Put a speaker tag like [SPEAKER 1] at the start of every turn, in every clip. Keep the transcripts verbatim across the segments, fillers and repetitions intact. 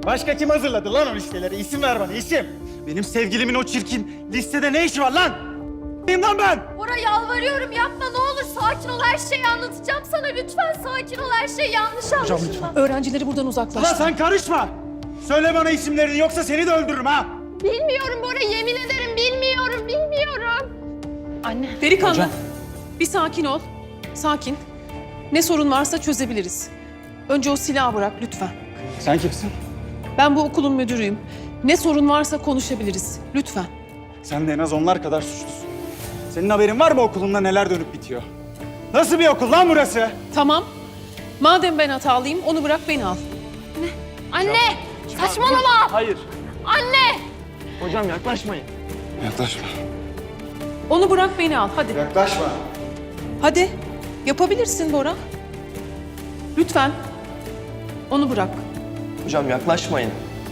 [SPEAKER 1] Başka kim hazırladı lan o listeleri? İsim ver bana, isim. Benim sevgilimin o çirkin listede ne işi var lan? Kim lan ben?
[SPEAKER 2] Bora yalvarıyorum yapma ne olur sakin ol her şeyi anlatacağım sana lütfen sakin ol her şey yanlış anlaşılma.
[SPEAKER 3] Öğrencileri buradan uzaklaştır.
[SPEAKER 1] Ulan sen karışma. Söyle bana isimlerini yoksa seni de öldürürüm ha.
[SPEAKER 2] Bilmiyorum Bora yemin ederim bilmiyorum bilmiyorum. Anne.
[SPEAKER 3] Delikanlı, bir sakin ol. Sakin. Ne sorun varsa çözebiliriz. Önce o silahı bırak lütfen.
[SPEAKER 1] Sen kimsin?
[SPEAKER 3] Ben bu okulun müdürüyüm. Ne sorun varsa konuşabiliriz. Lütfen.
[SPEAKER 1] Sen de en az onlar kadar suçlusun. Senin haberin var mı okulunda neler dönüp bitiyor? Nasıl bir okul lan burası?
[SPEAKER 3] Tamam. Madem ben hatalıyım, onu bırak beni al.
[SPEAKER 2] Anne saçmalama.
[SPEAKER 4] Hayır.
[SPEAKER 2] Anne.
[SPEAKER 4] Hocam yaklaşmayın.
[SPEAKER 1] Yaklaşma.
[SPEAKER 3] Onu bırak beni al. Hadi.
[SPEAKER 1] Yaklaşma.
[SPEAKER 3] Hadi. Yapabilirsin Bora. Lütfen. Onu bırak.
[SPEAKER 4] Hocam yaklaşmayın.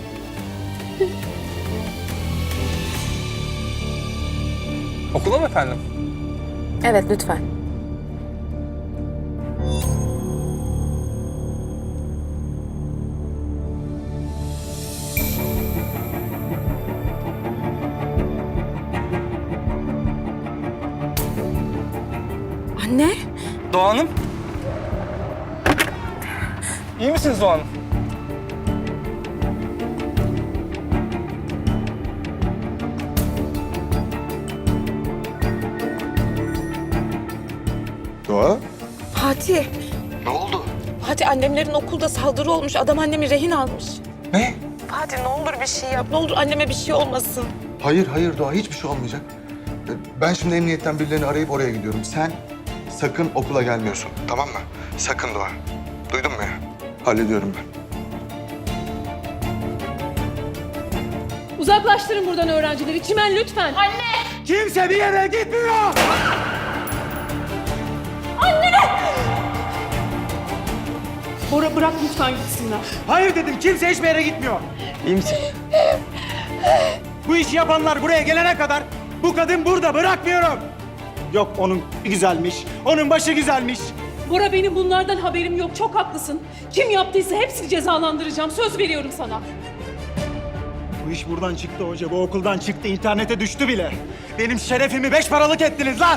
[SPEAKER 5] Okula mı efendim?
[SPEAKER 6] Evet, lütfen. Anne?
[SPEAKER 5] Doğa Hanım. İyi misiniz Doğa Hanım?
[SPEAKER 7] Doğa?
[SPEAKER 6] Fatih.
[SPEAKER 7] Ne oldu?
[SPEAKER 6] Fatih annemlerin okulda saldırı olmuş. Adam annemi rehin almış.
[SPEAKER 7] Ne?
[SPEAKER 6] Fatih ne olur bir şey yap. Ne olur anneme bir şey olmasın.
[SPEAKER 7] Hayır hayır Doğa, hiçbir şey olmayacak. Ben şimdi emniyetten birilerini arayıp oraya gidiyorum. Sen sakın okula gelmiyorsun, tamam mı? Sakın Doğa. Duydun mu ya? Hallediyorum ben.
[SPEAKER 3] Uzaklaştırın buradan öğrencileri. Çimen lütfen.
[SPEAKER 1] Kimse bir yere gitmiyor.
[SPEAKER 3] Bora bırak lütfen gitsinler.
[SPEAKER 1] Hayır dedim, kimse hiçbir yere gitmiyor.
[SPEAKER 4] İyi misin?
[SPEAKER 1] Bu işi yapanlar buraya gelene kadar bu kadın burada, bırakmıyorum. Yok onun güzelmiş, onun başı güzelmiş.
[SPEAKER 3] Bora benim bunlardan haberim yok. Çok haklısın. Kim yaptıysa hepsini cezalandıracağım. Söz veriyorum sana.
[SPEAKER 1] Bu iş buradan çıktı hoca, bu okuldan çıktı, internete düştü bile. Benim şerefimi beş paralık ettiniz lan.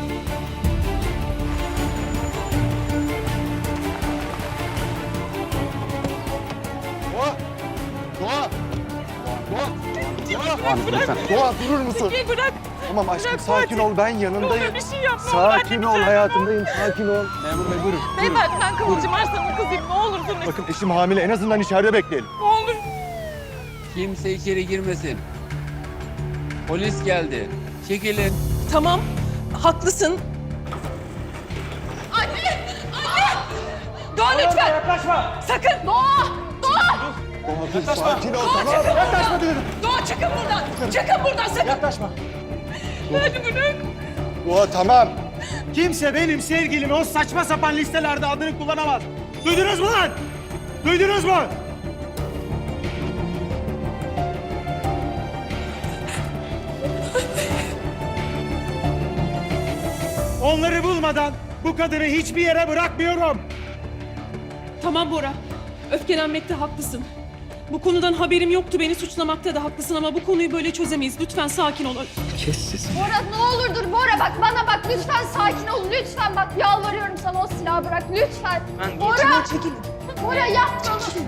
[SPEAKER 7] Doğa! Doğa! Doğa! Doğa! Doğa durur musun?
[SPEAKER 6] Bırak.
[SPEAKER 7] Tamam aşkım sakin ol, ben yanındayım.
[SPEAKER 6] Bir şey yapma.
[SPEAKER 7] Sakin ol hayatımdayım, sakin ol. Memur bey buyurun.
[SPEAKER 6] Beyefendi ben Kıvılcım Arslan'ın kızıyım. Ne olursunuz.
[SPEAKER 7] Bakın eşim hamile, en azından içeride bekleyelim.
[SPEAKER 6] Ne olur.
[SPEAKER 8] Kimse içeri girmesin. Polis geldi. Çekilin.
[SPEAKER 3] Tamam. Haklısın.
[SPEAKER 6] Doğa lütfen.
[SPEAKER 1] Yaklaşma.
[SPEAKER 6] Sakın. Doğa. Doğa.
[SPEAKER 7] Doğa dur, sakin ol, tamam.
[SPEAKER 1] Yaklaşma dedim.
[SPEAKER 6] Doğa çıkın buradan. Çıkın buradan sakın.
[SPEAKER 1] Yaklaşma.
[SPEAKER 6] Hadi bırak.
[SPEAKER 7] Doğa tamam.
[SPEAKER 1] Kimse benim sevgilimi o saçma sapan listelerde adını kullanamaz. Duydunuz mu lan? Duydunuz mu? Onları bulmadan bu kadını hiçbir yere bırakmıyorum.
[SPEAKER 3] Tamam Bora. Öfkelenmekte haklısın. Bu konudan haberim yoktu. Beni suçlamakta da haklısın ama bu konuyu böyle çözemeyiz. Lütfen sakin ol.
[SPEAKER 2] Bora ne olur dur Bora bak bana bak lütfen sakin ol lütfen bak yalvarıyorum sana o silahı bırak lütfen. Bora.
[SPEAKER 3] Çekilin.
[SPEAKER 2] Bora yapma onu.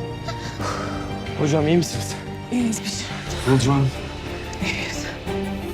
[SPEAKER 4] Hocam iyi misiniz?
[SPEAKER 3] İyiyiz biz.
[SPEAKER 7] Kıvılcım Hanım.
[SPEAKER 3] İyiyiz.